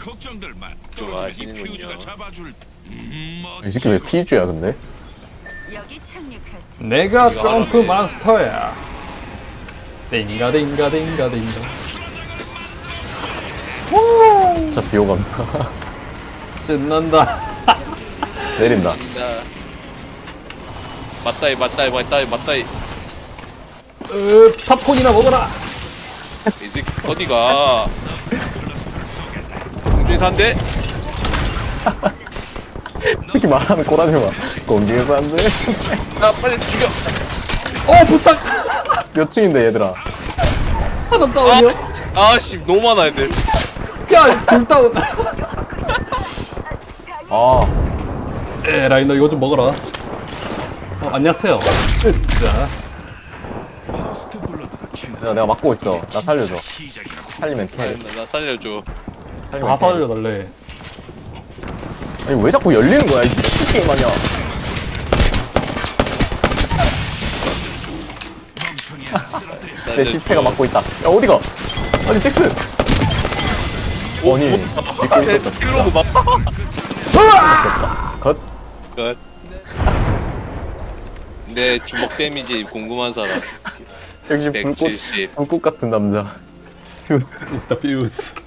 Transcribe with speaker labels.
Speaker 1: 걱정들 마.
Speaker 2: 좋아하시는군요.
Speaker 1: 퓨즈가 잡아줄.
Speaker 3: 이 새끼 왜 피주야 근데?
Speaker 4: 여기 착륙하지.
Speaker 5: 내가 점프 마스터야. 띵가 띵가 띵가 띵가.
Speaker 3: 진짜 비호감이다.
Speaker 5: 신난다.
Speaker 3: 내린다.
Speaker 2: 나 맞다이 맞다이 맞다이 맞다이.
Speaker 5: 팝콘이나 먹어라.
Speaker 2: 이제 어디가? 공중에서 한 대.
Speaker 3: 특히 말하는 꼬라지 마. 공중에서 안 돼.
Speaker 2: 아 빨리 죽여.
Speaker 5: 부착.
Speaker 3: 몇 층인데 얘들아?
Speaker 5: 하나 다운이요.
Speaker 2: 아씨 너무 많아 애들.
Speaker 5: 야, 둘 다운.
Speaker 3: 아,
Speaker 5: 에라이 너 이거 좀 먹어라. 안녕하세요. 자,
Speaker 1: 퍼스트 블러드가 친.
Speaker 3: 내가 막고 있어. 나 살려줘.
Speaker 1: 시작이라고.
Speaker 3: 살리면 캐.
Speaker 2: 나 살려줘.
Speaker 3: 살리면
Speaker 5: 다
Speaker 3: 캐.
Speaker 5: 살려달래.
Speaker 3: 아니 왜 자꾸 열리는 거야? 이 게임 아니야.
Speaker 1: 멍청이 하나 쓰러뜨려.
Speaker 3: 내 시체가 막고 있다. 야 어디가? 아니 잭스. 아니 믿고 있었다.
Speaker 2: 킬로그 막.
Speaker 3: 컷.
Speaker 2: 끝. 내 주먹 데미지 궁금한 사람.
Speaker 3: 역시 불꽃
Speaker 2: 170.
Speaker 3: 불꽃 같은 남자.
Speaker 5: It's the fuse.